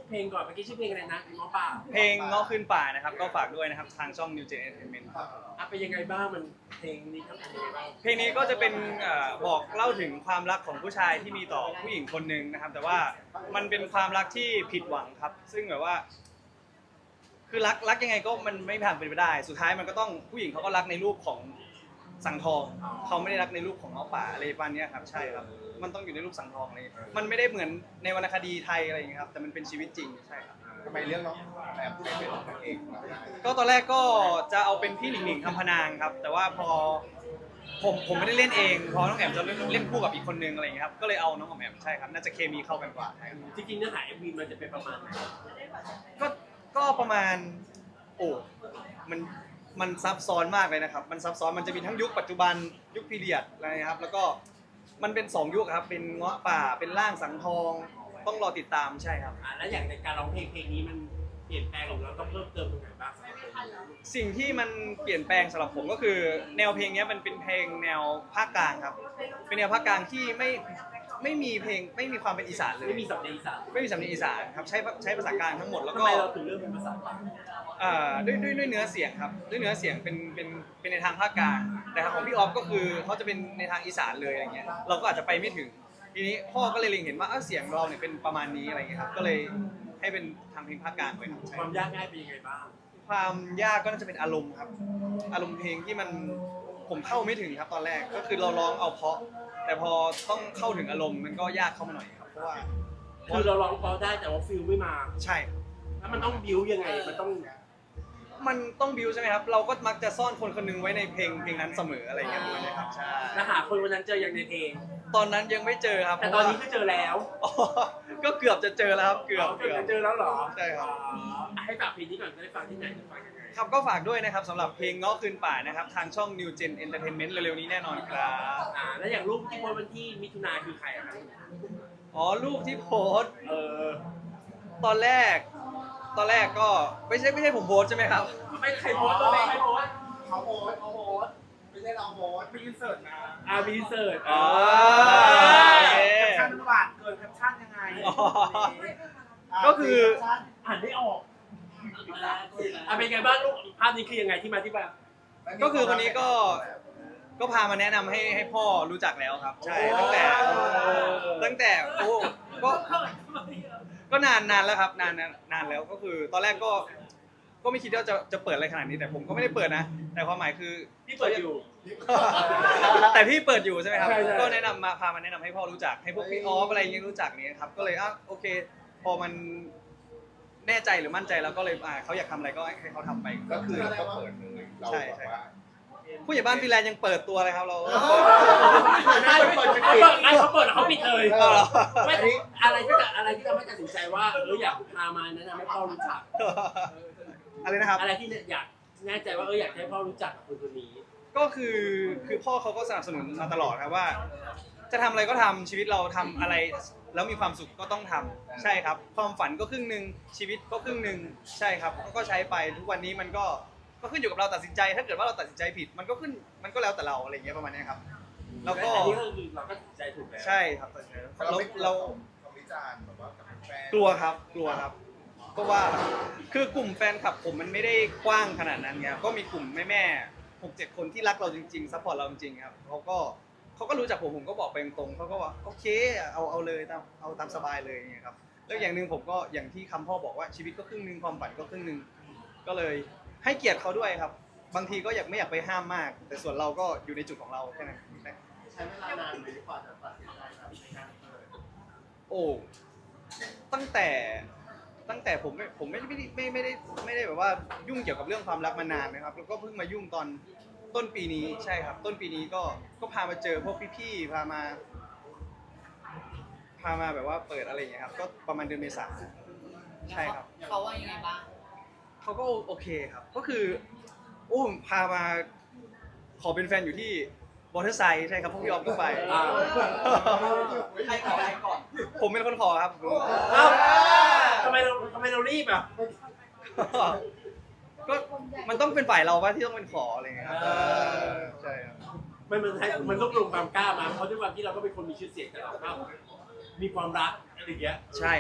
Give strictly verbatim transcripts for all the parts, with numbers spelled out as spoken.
เพลงก่อนเมื่อกี้ชื่อเพลงอะไรนะง้อป่าเพลงเงาะขึ้นป่านะครับก็ฝากด้วยนะครับทางช่อง New Gen Entertainment ครับอ่ะเป็นยังไงบ้างมันเพลงนี้ครับเป็นยังไงบ้างเพลงนี้ก็จะเป็นเอ่อบอกเล่าถึงความรักของผู้ชายที่มีต่อผู้หญิงคนหนึ่งนะครับแต่ว่ามันเป็นความรักที่ผิดหวังครับซึ่งแบบว่า คือรักรักยังไงก็มันไม่ผ่านไปไม่ได้สุดท้ายมันก็ต้องผู้หญิงเขาก็รักในรูปของสังทองเขาไม่ได้รักในรูปของน้องป่าอะไรประมาณนี้ครับใช่ครับมันต้องอยู่ในรูปสังทองเลยมันไม่ได้เหมือนในวรรณคดีไทยอะไรอย่างเงี้ยครับแต่มันเป็นชีวิตจริงใช่ครับทำไมเรื่องน้องแอมไม่เป็นนางเอกนะก็ตอนแรกก็จะเอาเป็นพี่หนิงหนิงคำพนางครับแต่ว่าพอผมผมไม่ได้เล่นเองพอน้องแอมจะเล่นเล่นคู่กับอีกคนนึงอะไรอย่างเงี้ยครับก็เลยเอาน้องแอมใช่ครับน่าจะเคมีเข้ากันกว่าใช่ครับจริงๆเนื้อหาเอ็มวีมันจะเป็นประมาณไหนก็ก็ประมาณโอ้มันมันซับซ้อนมากเลยนะครับมันซับซ้อนมันจะมีทั้งยุคปัจจุบันยุคพีเรียดอะไรนะครับแล้วก็มันเป็นสองยุคครับเป็นเงาะป่าเป็นร่างสังทองต้องรอติดตามใช่ครับอ่ะแล้วอย่างในการร้องเพลงเพลงนี้มันเปลี่ยนแปลงหรือเราต้องเพิ่มเติมตรงไหนบ้างสิ่งที่มันเปลี่ยนแปลงสำหรับผมก็คือ แนวเพลงนี้มันเป็นเพลงแนวภาคกลางครับเป็นแนวภาคกลางที่ไม่ไม่มีเพลงไม่มีความเป็นอีสานเลยไม่มีสำเนียงอีสานไม่มีสำเนียงอีสานครับใช้ใช้ภาษากลางทั้งหมดแล้วทำก็ไมเราถึงเลือกเป็นภาษากลางอ่าด้วยด้วยด้วยเนื้อเสียงครับด้วยเนื้อเสียงเป็นเป็นเป็นในทางภาคกลางแต่ของพี่ออฟก็คือเขาจะเป็นในทางอีสานเลยอะไรเงี้ยเราก็อาจจะไปไม่ถึงทีนี้พ่อก็เลยเล็งเห็นว่าเออเสียงเราเนี่ยเป็นประมาณนี้อะไรเงี้ยครับก็เลยให้เป็นทำเพลงภาคกลางไปครับความยากง่ายเป็นยังไงบ้างความยากก็น่าจะเป็นอารมณ์ครับอารมณ์เพลงที่มันผมเข้าไม่ถึงครับตอนแรกก็คือเราร้องเอาเพราะแต่พอต้องเข้าถึงอารมณ์มันก็ยากเข้ามาหน่อยครับเพราะว่าคือเราร้องเพราะได้แต่ว่าฟิลไม่มาใช่แล้วมันต้องบิวยังไงมันต้องมันต้องบิวใช่ไหมครับ เราก็มักจะซ่อนคนคนหนึงไว้ในเพลงเพลงนั้นเสมออะไรอย่างเงี้ยด้วยนะครับใช่แล้วหาคนวันนั้นเจออย่างในเพลงตอนนั้นยังไม่เจอครับแต่ตอนนี้ก็เจอแล้วอ๋อก็เกือบจะเจอแล้วครับเกือบเจอเจอแล้วเหรอใช่ครับอ๋อให้ฝากเพลงนี้ก่อนจะได้ฟังที่ไหนจะฟังยังไงครับก็ฝากด้วยนะครับสำหรับเพลงเงาะคืนป่านะครับทางช่อง New Gen Entertainment เร็วๆนี้แน่นอนครับอ่าแล้วอย่างรูปที่โพสต์วันที่มิถุนาคือใครอะครับอ๋อรูปที่โพสต์เออตอนแรก ตอนแรกก็ไม่ใช่ไม่ใช่ผมโพสต์ใช่ไหมครับไม่ใครโพสต์ก็ไม่ใครโพสต์เขาโพสต์เขาโพสต์ไม่ใช่เราโพสต์มีอินเสิร์ตนะอ่ามีอินเสิร์ตอ๋อแคปชั่นมันหวานเกินแคปชั่นยังไงอ๋อก็คืออ่านไม่ออกอ่ะเป็นไงบ้างลูกภาพนี้คือยังไงที่มาที่ไปก็คือคนนี้ก็ก็พามาแนะนำให้ให้พ่อรู้จักแล้วครับ ใช่ตั้งแต่ตั้งแต่โอ้ก็ก็นานนานแล้วครับนานนานนานแล้วก็คือ ตอนแรกก็ก็ไม่คิดว่าจะจะเปิดอะไรขนาดนี้แต่ผมก็ไม่ได้เปิดนะ แต่ความหมายคือพี่เปิดอยู่แต่พี่เปิดอยู่ใช่ไหมครับใช่ใช่ก็แนะนำมาพามาแนะนำให้พ่อรู้จักให้พวกพี่ออฟอะไรอย่างเงี้ยรู้จักเนี้ยครับก็เลยอ่ะโอเค พอมันแน่ใจหรือมั่นใจแล้วก็เลยอ่าเขาอยากทำอะไรก็ให้เขาทำไปก็คือเราก็เปิดเลยเราแบบว่าผู้ใหญ่บ้านฟินแลนด์ยังเปิดตัวเลยครับเราไม่เปิดเขาเปิดไม่เขาเปิดเขาปิดเลยเอาเหรอไม่อะไรที่อะไรที่ทำให้ตัดสินใจว่าเอออยากพามาแนะนำให้พ่อรู้จักอะไรนะครับอะไรที่อยากแน่ใจว่าเอออยากให้พ่อรู้จักกับคนคนนี้ก็คือคือพ่อเขาก็สนับสนุนมาตลอดครับว่า จะทำอะไรก็ทำชีวิตเราทำอะไรแล้วมีความสุขก็ต้องทำใช่ครับ ความฝันก็ครึ่งหนึ่งชีวิตก็ครึ่งหนึ่งใช่ครับก็ใช้ไปทุกวันนี้มันก็ก็ขึ้นอยู่กับเราตัดสินใจ ถ้าเกิดว่าเราตัดสินใจผิด มันก็ขึ้นมันก็แล้วแต่เราอะไรอย่างเงี้ยประมาณนี้ครับแล้วก็อันนี้ก็คือเราก็ตัดสินใจถูกแล้วใช่ครับเราเราไม่กลัวเราคำวิจารณ์แบบว่ากับแฟนกลัวครับกลัวครับเพราะว่าคือกลุ่มแฟนคลับผมมันไม่ได้กว้างขนาดนั้นไงก็มีกลุ่มแม่แม่หกเจ็ดคนที่รักเราจริงๆซัพพอร์ตเราจริงๆครับเขาก็เขาก็รู้จักผมผมก็บอกไปตรงๆเขาก็ว่าโอเคเอาเอาเลยตามเอาตามสบายเลยอย่างเงี้ยครับแล้วอย่างหนึ่งผมก็อย่างที่คำพ่อบอกว่าชีวิตก็ครึ่งหนึ่งความฝันก็ครึ่งหนึ่งก็เลยให้เกียรติเขาด้วยครับ บางทีก็อยากไม่อยากไปห้ามมาก แต่ส่วนเราก็อยู่ในจุดของเราแค่นั้นใช้เวลานานไหมกว่าจะตัดสินใจครับในการเปิดโอ้ตั้งแต่ตั้งแต่ผมไม่ผมไม่ไม่ได้ไม่ไม่ได้ไม่ได้แบบว่ายุ่งเกี่ยวกับเรื่องความรักมานานนะครับแล้วก็เพิ่งมายุ่งตอนต้นปีนี้ใช่ครับ ต้นปีนี้ก็ก็พามาเจอพวกพี่ๆพามา พามาแบบว่าเปิดอะไรอย่างเงี้ยครับก็ประมาณเดือนเมษาใช่ครับเขาว่ายังไงบ้างเขาก็โอเคครับ ก็คือโอ้พามาขอเป็นแฟนอยู่ที่บอเทอร์ไซด์ใช่ครับพวกพี่ออมก็ไปอ่าใครขอใครก่อนผมเป็นคนขอครับเอ้าทำไมเราทำไมเรารีบอ่ะก็มันต้องเป็นฝ่ายเราว่าที่ต้องเป็นขออะไรเงี้ยครับเออใช่ครับมันมันให้มันรวบรวมความกล้ามาเพราะด้วยความที่เราก็เป็นคนมีชื่อเสียงแต่เราก็มีความรักอะไรอย่างเงี้ยใช่ครับ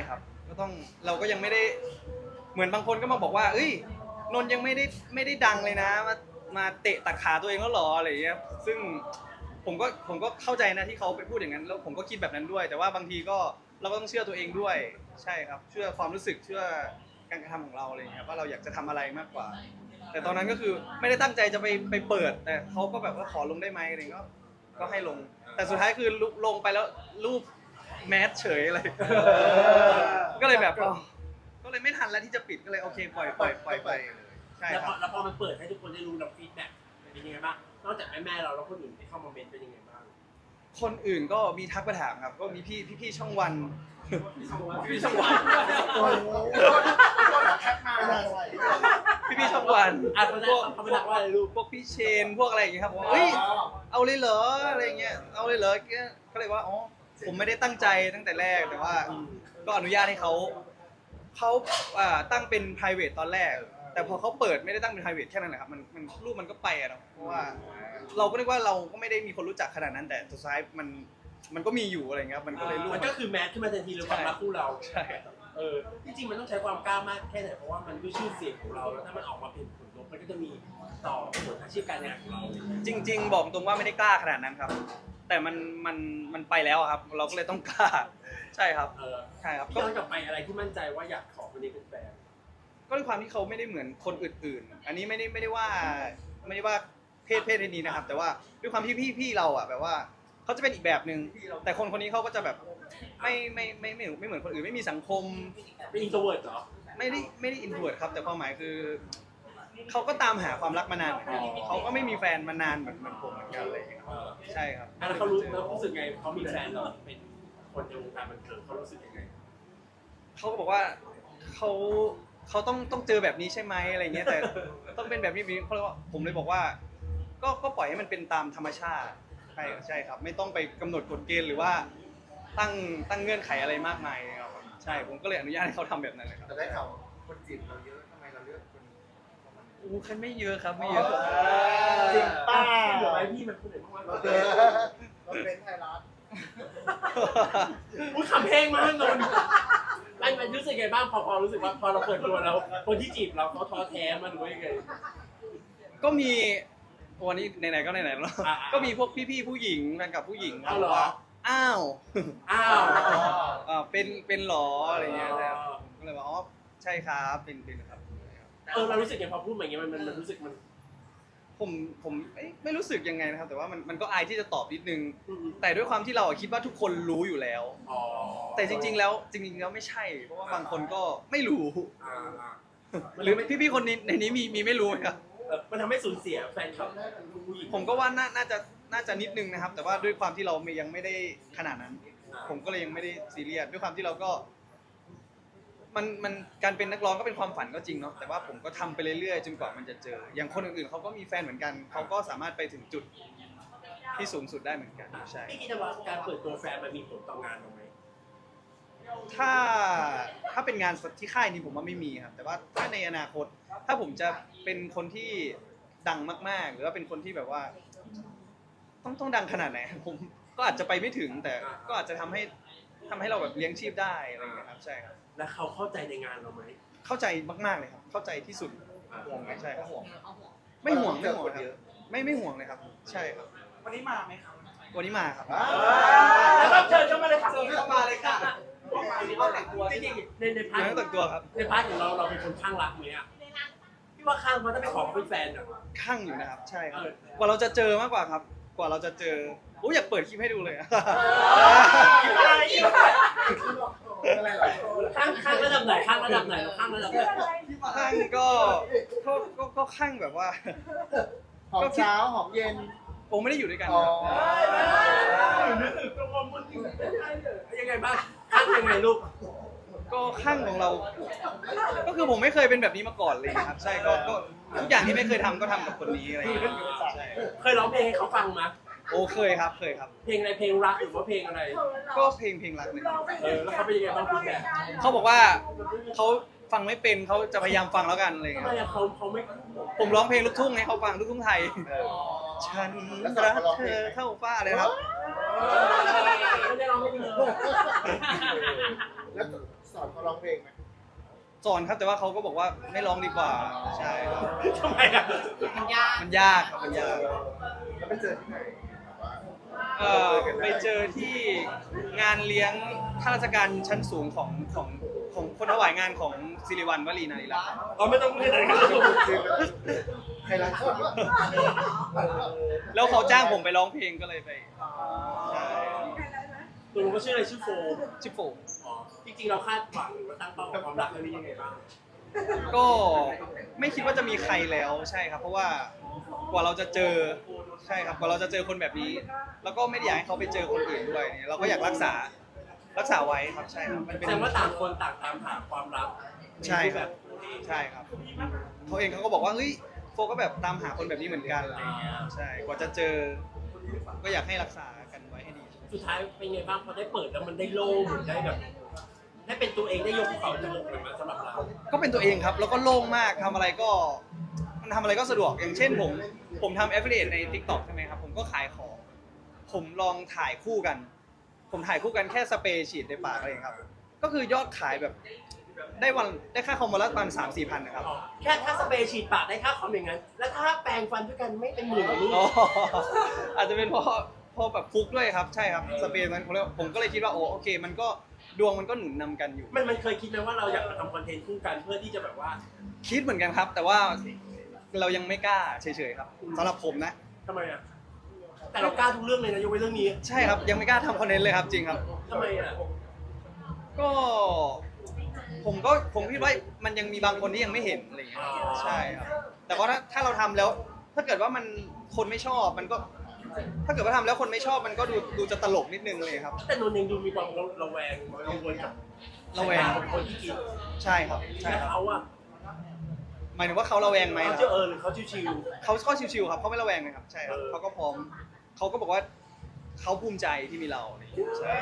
ก็ต้องเราก็ยังไม่ได้เหมือนบางคนก็มาบอกว่าเอ้ยนนท์ยังไม่ได้ไม่ได้ดังเลยนะมามาเตะตัดขาตัวเองแล้วหรออะไรอย่างเงี้ยซึ่งผมก็ผมก็เข้าใจนะที่เขาไปพูดอย่างนั้นแล้วผมก็คิดแบบนั้นด้วย แต่ว่าบางทีก็เราก็ต้องเชื่อตัวเองด้วยใช่ครับเชื่อความรู้สึกเชื่อการกระทำของเราอะไรอย่างเงี้ยว่าเราอยากจะทำอะไรมากกว่า แต่ตอนนั้นก็คือไม่ได้ตั้งใจจะไปไปเปิด แต่เขาก็แบบว่าขอลงได้ไหมอะไรก็ก็ให้ลง แต่สุดท้ายคือลงไปแล้วรูปแมสเฉยเลยก็เลยแบบอ๋อก็เลยไม่ทันแล้วที่จะปิดก็เลยโอเคปล่อยปล่อยปล่อยไปใช่แล้วคพรัอบ แล้วพอมันเปิดให้ทุกคนได้รู้เราฟีดแบ็กเป็นยังไงบ้างนอกจากแม่แม่เราแล้วคนอื่นที่เข้ามาเมนต์เป็นยังไงบ้างคนอื่นก็มีทักมาถามครับ ก็มีพี่พี่พี่ช่องวันพี่ช่องวันโอ้โหแคปมาเลยพี่พี่ช่องวันอ่ะเขาพได้วกเขาไม่รักว่าอะไรลูกพวกพี่เชนพวกอะไรอย่างเงี้ยครับบอกว่าเฮ้ยเอาเลยเหรออะไรเงี้ยเอาเลยเหรอก็เลยว่าอ๋อผมไม่ได้ตั้งใจตั้งแต่แรกแต่ว่าก็อนุญาตให้เขาเขาอ่าตั้งเป็น private ตอนแรก แต่พอเขาเปิดไม่ได้ตั้งเป็น private แค่นั้นแหละครับมันมันรูปมันก็ไปอะเนาะเพราะว่าเราก็นึกว่าเราก็ไม่ได้มีคนรู้จักขนาดนั้นแต่สุดท้ายมันมันก็มีอยู่อะไรเงี้ยครับมันก็เลยรูปมันก็คือแมสขึ้นมาทันทีเลยความรักคู่เราใช่เออจริงๆมันต้องใช้ความกล้ามากแค่ไหนเพราะว่ามันด้วยชื่อเสียงของเราแล้วถ้ามันออกมาเป็นผลลบมันก็จะมีต่อผลอาชีพการงานของเราจริง ๆ บอกตรงว่าไม่ได้กล้าขนาดนั้นครับ แต่มันมันมันไปแล้วอะครับ เราก็เลยต้องกล้าใช่ครับเออใช่ครับพี่ก็ย้อนกลับไปอะไรที่มั่นใจว่าอยากขอคนนี้เป็นแฟนก็ด้วยความที่เขาไม่ได้เหมือนคนอื่นๆ อันนี้ไม่ได้ไม่ได้ว่าไม่ได้ว่าเพศเพศนี้นะครับ แต่ว่าด้วยความที่พี่พี่เราอ่ะแบบว่าเขาจะเป็นอีกแบบหนึ่งแต่คนคนนี้เขาก็จะแบบไม่ไม่ไม่ไม่ไม่เหมือนคนอื่นไม่มีสังคมเป็นอินโทรเวิร์ดเหรอไม่ได้ไม่ได้อินโทรเวิร์ดครับแต่ความหมายคือเขาก็ตามหาความรักมานานเหมือนกันเขาก็ไม่มีแฟนมานานเหมือนเหมือนผมเหมือนกันอะไรอย่างเงี้ยครับเออใช่ครับอ่ะแล้วเขารู้แล้วรู้สึกไงเขามีแฟนเราเป็นคนในวงการบันเทิงเขารู้สึกยังไงเขาก็บอกว่าเขาเขาต้องต้องเจอแบบนี้ใช่ไหมอะไรเงี้ยแต่ต้องเป็นแบบนี้แบบนี้เขาเลยว่าผมเลยบอกว่า ก็ก็ปล่อยให้มันเป็นตามธรรมชาติใช่ใช่ครับ ไม่ต้องไปกำหนดกฎเกณฑ์หรือว่าตั้งตั้งเงื่อนไขอะไรมากมายครับใช่ผมก็เลยอนุญาตให้เขาทำแบบนั้นเลยครับแต่ได้ข่าวคนจีบเราเยอะทำไมเราเลือกคนอู้คันไม่เยอะครับไม่เยอะจริงป้าเดี๋ยวไว้พี่มันพูดหน่อยมากเราๆเป็นเราเป็นไทยรัฐอุ้ยขำเพลงมากนนท์มันมันรู้สึกไงบ้างพอพอรู้สึกว่าพอเราเปิดตัวแล้วคนที่จีบเราเขาท้อแท้มันหรือว่ายังไงก็มีวันนี้ไหนๆก็ไหนๆแล้วอ่าก็มีพวกพี่ๆผู้หญิงแฟนกับผู้หญิงอ้าวเหรอว่าอ้าวอ้าวอ่าเป็นเป็นหรออะไรเงี้ยแต่ก็เลยว่าอ๋อใช่ครับเป็นเป็นครับเออเรารู้สึกไงพอพูดมาอย่างเงี้ยมันมันมันรู้สึกมันผมผมไม่ไม่รู้สึกยังไงนะครับ แต่ว่ามันมันก็อายที่จะตอบนิดนึงอืมแต่ด้วยความที่เราอะคิดว่าทุกคนรู้อยู่แล้วอ๋อแต่จริง ๆ แล้วจริงๆแล้วไม่ใช่ เพราะว่าบางคนก็ไม่รู้อ่าอ่าหรือพี่ๆคนนี้ในนี้มีมีไม่รู้ไหมครับเออมันทำให้สูญเสียแฟนคลับผู้หญิงผมก็ว่าน่าน่าจะน่าจะนิดนึงนะครับ แต่ว่าด้วยความที่เรายังไม่ได้ขนาดนั้น ผมก็เลยยังไม่ได้ซีเรียสด้วยความที่เราก็ มันมันการเป็นนักร้องก็เป็นความฝันก็จริงเนาะแต่ว่าผมก็ทำไปเรื่อยๆจนกว่ามันจะเจอ อย่างคนอื่นๆเขาก็มีแฟนเหมือนกันเขาก็สามารถไปถึงจุดที่สูงสุดได้เหมือนกันใช่พี่คิดว่าการเปิดตัวแฟนมันมีผลต่องานเราไหมถ้าถ้าเป็นงานที่ค่ายนี้ผมว่าไม่มีครับ แต่ว่าถ้าในอนาคต ถ้าผมจะเป็นคนที่ดังมากๆ หรือว่าเป็นคนที่แบบว่า ต้องต้องดังขนาดไหนผมก็อาจจะไปไม่ถึง แต่ก็อาจจะทำให้ทำให้เราแบบเลี้ยงชีพได้อะไรอย่างเงี้ยครับใช่ครับแล้วเขาเข้าใจในงานเราไหมเข้าใจมากๆเลยครับ เข้าใจที่สุดห่วงไหมใช่ครับห่วงไม่ห่วงไม่ห่วงครับไม่ไม่ห่วงเลยครับ ใช่ครับวันนี้มาไหมครับวันนี้มาครับแล้วก็เชิญเข้ามาเลยค่ะเชิญเข้ามาเลยค่ะห้องแต่งตัวจริงๆในในพายัร์งทแต่งตัวครับในพาร์ทของเราเราเป็นคนข้างรักไหมอ่ะพี่ว่าข้างเพราะถ้าไปขอเขาเป็นแฟนอ่ะข้างอยู่นะครับ ใช่ครับเออกว่าเราจะเจอมากกว่าครับ กว่าเราจะเจอโอ้ยอยากเปิดคลิปให้ดูเลยอะอะไรหรอข้างข้างระดับไหนข้างระดับไหนข้างระดับไหนข้างก็ก็ก็ก็ข้างแบบว่าหอมเช้าหอมเย็นโอ้ไม่ได้อยู่ด้วยกันอ๋อครับยังไงบ้างข้างยังไงลูกก็ข้างของเรา ก็คือผมไม่เคยเป็นแบบนี้มาก่อนเลยครับ ใช่ก็ก็ทุกอย่างที่ไม่เคยทำก็ทำกับคนนี้อะไรอย่างเงี้ยใช่เคยร้องเพลงให้เขาฟังมั้ยโอ้เคยครับเคยครับเพลงอะไรเพลงรักหรือว่าเพลงอะไรก็เพลงเพลงรักเลยเออแล้วเขาเป็นยังไงบ้างคุณแม่เขาบอกว่าเขาฟังไม่เป็นเขาจะพยายามฟังแล้วกันอะไรอย่างทำเงี้ไมยอะเขาเขาไม่ผมร้องเพลงลูกทุ่งให้เขาฟังลูกทุ่งไทย ฉันรักเธอเท่าฟ้าเลยครับไม่ได้ร้องให้เธอแล้วสอนเขาร้องเพลงไหมสอนครับแต่ว่าเขาก็บอกว่าไม่ร้องดีกว่าใช่ครับทำไมอ่ะมันยากมันยากครับมันยากแล้วไปเจอที่ไหนเอ่อไปเจอที่งานเลี้ยงข้าราชการชั้นสูงของของของคนถวายงานของสิริวัลย์วลีนารีรัตน์เราไม่ต้องพูดอะไรกันใครรักชอบแล้วเขาจ้างผมไปร้องเพลงก็เลยไปใช่ตัวมันก็ชื่ออะไรชื่อโฟมชิปโฟอ๋อจริงๆเราคาดหวังหรือว่าตั้งเป้ากับความรักเรื่องนี้ยังไงบ้างก็ไม่คิดว่าจะมีใครแล้วใช่ครับ เพราะว่ากว่าเราจะเจอใช่ครับกว่าเราจะเจอคนแบบนี้ แล้วก็ไม่ได้อยากให้เขาไปเจอคนอื่นด้วยเนี่ยเราก็อยากรักษารักษาไว้ครับใช่ครับมันแสเป็นดงว่าต่างคนต่างตามหาความรักใช่ครับใช่ครับเขาเองเขาก็บอกว่าเฮ้ยโฟก็แบบตามหาคนแบบนี้เหมือนกันอะไรอย่างเงี้ยใช่กว่าจะเจอ ก็อยากให้รักษากันไว้ให้ดีสุดท้ายเป็นไงบ้างพอได้เปิดแล้วมันได้โล่งหรือได้แบบได้เป็นตัวเองได้ยกภูเขาจมูกเลยมาสำหรับเราก็เป็นตัวเองครับ แล้วก็โล่งมากทำอะไรก็มันทำอะไรก็สะดวกอย่างเช่นผมผมทำ affiliate ใน TikTok ใช่ไหมครับ ผมก็ขายของ ผมลองถ่ายคู่กัน ผมถ่ายคู่กันแค่สเปรย์ฉีดในปากอะไรอย่างเงี้ยครับ ก็คือยอดขายแบบได้วันได้ค่าคอมวันละประมาณสามสี่พันนะครับอ๋อแค่ถ้าสเปรย์ฉีดปากได้ค่าคอมอย่างนั้น แล้วถ้าแปรงฟันด้วยกันไม่เป็นหมื่นหรอลูกอ๋ออาจจะเป็นเพราะเพราะแบบฟุกด้วยครับ ใช่ครับสเปรย์มันผมเลยผมก็เลยคิดว่าโอ้โอเค มันก็ดวงมันก็หนุนนำกันอยู่มันมันเคยคิดไหมว่าเราอยากมาทำคอนเทนต์คู่กันเพื่อที่จะแบบว่าคิดเหมือนกันครับ แต่ว่าเรายังไม่กล้าเฉยๆครับสำหรับผมนะทำไมอ่ะแต่เรากล้าทุกเรื่องเลยนะยกเว้นเรื่องนี้ใช่ครับยังไม่กล้าทำคอนเทนต์เลยครับจริงครับทำไมอ่ะก็ผมก็ผมคิดว่ามันยังมีบางคนที่ยังไม่เห็นอะไรอย่างเงี้ยใช่ครับแต่ว่าถ้าถ้าเราทำแล้ว ถ้าเกิดว่ามันคนไม่ชอบมันก็ ถ้าเกิดว่าทำแล้วคนไม่ชอบมันก็ดูดูจะตลกนิดนึงเลยครับแต่นนท์เองดูมีความระแวงกังวลกับระแวงของคนที่กินใช่ครับใช่และครับเขาอ่ะหมายถึงว่าเขาระแวงไหมเขาคจะรับเออหรือเขาชิวเขาก็ชิวๆครับเขาไม่ระแวงเลยครับใช่ครับเออเขาก็พร้อมเขาก็บอกว่าเขาภูมิใจที่มีเราอะไรอย่างเงี้ยใช่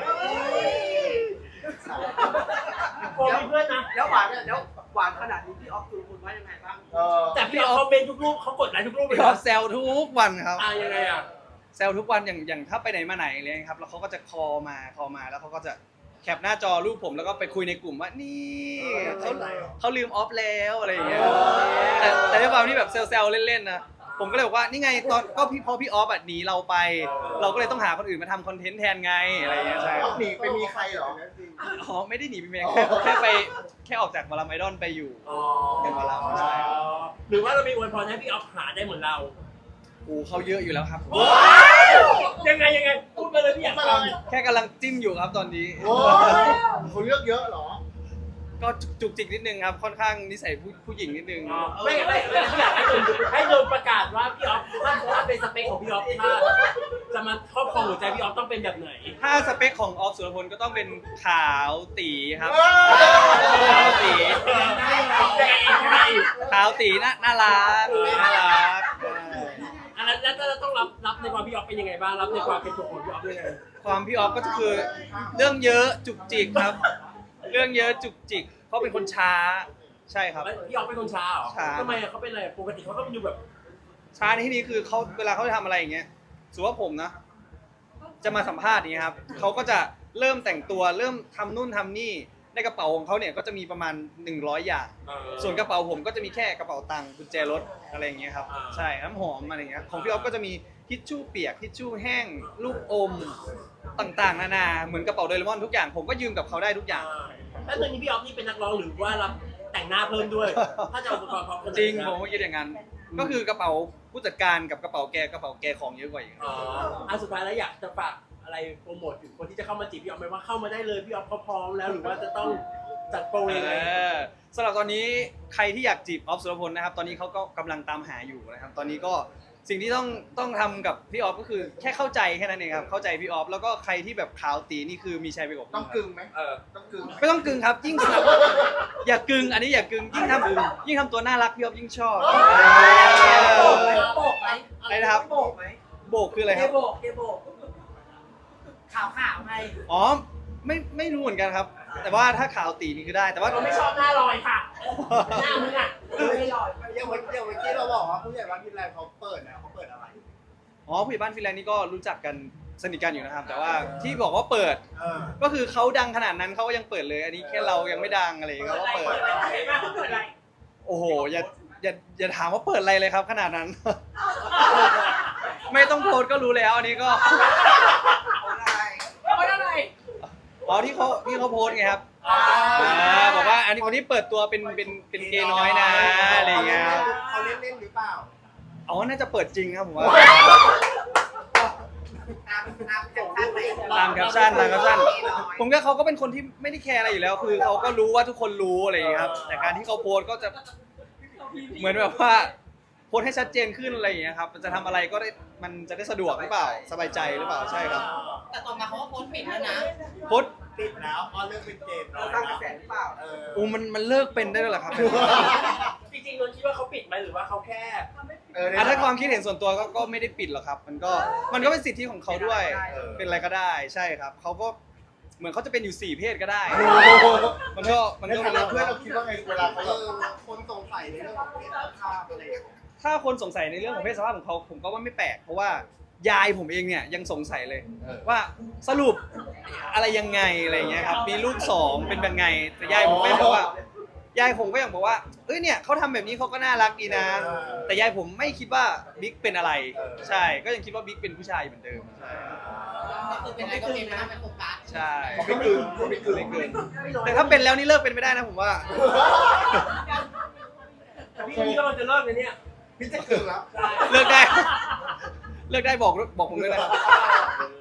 ๆพอมีเพื่อนนะแล้วหวานเนี่ยแล้วหวานขนาดนี้พี่ออฟคือคุณว่ายังไงบ้างเออแต่พี่ออฟคอมเมนต์ทุกรูปเขากดไลค์ทุกรูปเลยพี่ออนะฟแซวทุกวันครับอ่ะยังไงอ่ะแซวทุกวันอย่างอย่างถ้าไปไหนมาไหนอะไรเลยครับแล้วเขาก็จะคอมาคอมาแล้วเขาก็จะแคปหน้าจอรูปผมแล้วก็ไปคุยในกลุ่มว่านี่เขาเขาลืมออฟแล้วอะไรอย่างเงี้ยแต่แต่ด้วยความที่แบบเซลล์เล่นๆนะผมก็เลยบอกว่านี่ไงตอนก็พี่พอพี่ออฟอ่ะหนีเราไป เราก็เลยต้องหาคนอื่นมาทำคอนเทนต์แทนไงอะไรอย่างเงี้ยใช่ออฟหนีไปมีใครเหรออ๋อไม่ได้หนีไปเมียแค่แค่ไปแค่ออกจากวาลาไอดอลไปอยู่อ๋อเป็นวาระใช่หรือว่าเรามีอวยพรให้พี่ออฟหาได้เหมือนเราโอ้เขาเยอะอยู่แล้วครับยังไงยังไงพูดมาเลยพี่อยากฟังแค่กำลังจิ้มอยู่ครับตอนนี้โอ้ยคุณเลือกเยอะเหรอก็จุกจิกนิดนึงครับค่อนข้างนิสัยผู้ผู้หญิงนิดนึงอ๋อไม่ไม่ไม่อยากให้โดนให้โดนประกาศว่าพี่ออฟถ้าถ้าเป็นสเปคของพี่ออฟถ้าจะมาครอบครองหัวใจพี่ออฟต้องเป็นแบบไหนถ้าสเปคของออฟสุรพลก็ต้องเป็นขาวตีครับเอ้ยขาวตีแต่เองใครขาวตีน่าน่ารักน่ารักอันนั้นแล้วเราต้องรับรับในความพี่ออฟเป็นยังไงบ้างรับในความเป็นตัวของพี่ออฟยังไงความพี่ออฟก็คือเรื่องเยอะจุกจิกครับ เรื่องเยอะจุกจิกเขาเป็นคนช้าใช่ครับแล้วพี่ออฟเป็นคนช้าเหรอช้าทำไมอะเขาเป็นอะไรปกติเขาก็ดูแบบช้าในที่นี้คือเขาเวลาเขาจะทำอะไรอย่างเงี้ยสมมุติว่าผมนะ จะมาสัมภาษณ์อย่างเงี้ยครับเขาก็จะเริ่มแต่งตัวเริ่มทำนู่นทำนี่ในกระเป๋าของเขาเนี่ยก็จะมีประมาณหนึ่งร้อยอย่างเออส่วนกระเป๋าผมก็จะมีแค่กระเป๋าตังค์กุญแจรถอะไรอย่างเงี้ยครับอ่าใช่น้ำหอมอะไรอย่างเงี้ยของพี่ออฟก็จะมีทิชชู่เปียกทิชชู่แห้งลูกอมต่างๆ นานาเหมือนกระเป๋าโดเรมอนทุกอย่างผมก็ยืมกับเขาได้ทุกอย่างแล้วตอนนี้พี่ออฟนี่เป็นนักร้องหรือว่ารับแต่งหน้าเพิ่มด้วย ถ้าจะเอาอุปกรณ์พร้อมกันจริงผมก็คิดอย่างนั้น ก็คือกระเป๋าผู้จัดการกับกระเป๋าแกกระเป๋าแกของเยอะกว่าอีกอ๋ออันสุดท้ายแล้วอยากจะฝากอะไรโปรโมทถึงคนที่จะเข้ามาจีบพี่ออฟไหมว่าเข้ามาได้เลยพี่ออฟเขาพร้อมแล้วหรือว่าจะต้องจัดโปรยังไงเออสำหรับตอนนี้ใครที่อยากจีบออฟสุรพลนะครับ ตอนนี้เขาก็กำลังตามหาอยู่นะครับ ตอนนี้ก็สิ่งที่ต้องต้องทำกับพี่ออฟก็คือแค่เข้าใจแค่นั้นเองครับเข้าใจพี่ออฟแล้วก็ใครที่แบบขาวตีนี่คือมีชัยไปกว่าต้องกึ่งไหมเออต้องกึ่งไหมไม่ต้องกึ่งครับยิ่งสนับอย่ากึ่งอันนี้อย่ากึ่งยิ่งทำยิ่งทำตัวน่ารักพี่ออฟยิ่งชอบโบกไหมโบกไหมอะไรนะครับโบกไหมโบกคืออะไรเกครับโบกเกโบกขาวขาวไงอ๋อไม่ไม่รู้เหมือนกันครับ แต่ว่าถ้าขาวตีนี่คือได้แต่ว่าเราไม่ชอบหน้าลอยค่ะหน้ามึงอ่ะไม่หล่ออย่างเมื่ออย่างเมื่อกี้เราบอกว่าผู้ใหญ่บ้านพิมพ์แรงเขาเปิดนะเขาเปิดอะไรอ๋อผู้ใหญ่บ้านฟินแลนด์นี่ก็รู้จักกันสนิทกันอยู่นะครับ แต่ว่าที่บอกว่าเปิดเออก็คือเขาดังขนาดนั้นเขาก็ยังเปิดเลย อันนี้แค่เรายังไม่ดังอะไรอย่างเงี้ยเขาก็เปิด โอ้โหอย่าอย่าอย่าถามว่าเปิดอะไรเลยครับ ขนาดนั้น ไม่ต้องโพสต์ก็รู้แล้วอันนี้ก็เพราะอะไรอ๋อที่เขาที่เขาโพสต์ไงครับอ่าบอกว่าอันนี้วันนี้เปิดตัวเป็นเป็นเป็นเกย์น้อยนะอะไรอย่างเงี้ยเขาเล่นเล่นหรือเปล่าอ๋อน่าจะเปิดจริงครับผมว่าตามตามจากท่านไหนตามแคปชั่นตามแคปชั่นผมก็เขาก็เป็นคนที่ไม่ได้แคร์อะไรอยู่แล้ว คือเขาก็รู้ว่าทุกคนรู้อะไรอย่างเงี้ยครับแต่การที่เขาโพสต์ก็จะเหมือนแบบว่าโพสต์ให้ชัดเจนขึ้นอะไรอย่างเงี้ยครับมันจะทำอะไรก็ได้มันจะได้สะดวกหรือเปล่าสบายใจหรือเปล่าใช่ครับแต่ต่อมาเขาก็โพสต์ปิดแล้วนะโพสต์ติดแล้วออนเลิกเป็นเกมเราสร้างกระแสหรือเปล่าเอออูมันมันเลิกเป็นได้แล้วเหรอครับจริงๆเราคิดว่าเขาปิดไหมหรือว่าเขาแค่เอออ่ะถ้าความคิดเห็นส่วนตัวก็ก็ไม่ได้ปิดหรอกครับ มันก็มันก็เป็นสิทธิของเขาด้วยเออเป็นอะไรก็ได้ใช่ครับเขาก็เหมือนเขาจะเป็นอยู่สี่เพศก็ได้โอ้โหมันก็มันในก็ฐานะเพื่อนเราคิดว่าไงเวลาเขาเออคนสงสัยในเรื่องของเพศสภาพอะไรอย่างเงี้ยถ้าคนสงสัยในเรื่องของเพศสภาพของเขาผมก็ว่าไม่แปลกเพราะว่ายายผมเองเนี่ยยังสงสัยเลยเออว่าสรุปอะไรยังไงอะไรอย่างเงี้ยครับมีลูกสองเป็นแบบไงแต่ยายผมไม่บอกว่ายายผมก็ยังบอกว่าเอ้ยเนี่ยเขาทำแบบนี้เขาก็น่ารักดีนะ แต่ยายผมไม่คิดว่าบิ๊กเป็นอะไรใช่ก็ยังคิดว่าบิ๊กเป็นผู้ชายเหมือนเดิมใช่ก็คือเป็นอะไรก็เป็นไม่ต้องเป็นโฟกัสใช่เขาไม่กลืนเขาไม่กลืนไม่เกินแต่ถ้าเป็นแล้วนี่เลิกเป็นไม่ได้นะผมว่าแต่พี่นี่ก็จะเลิกเลยเนี่ยพี่จะกลืนแล้วเลิกได้ เลิกได้บอกบอกผมด้วยนะเออ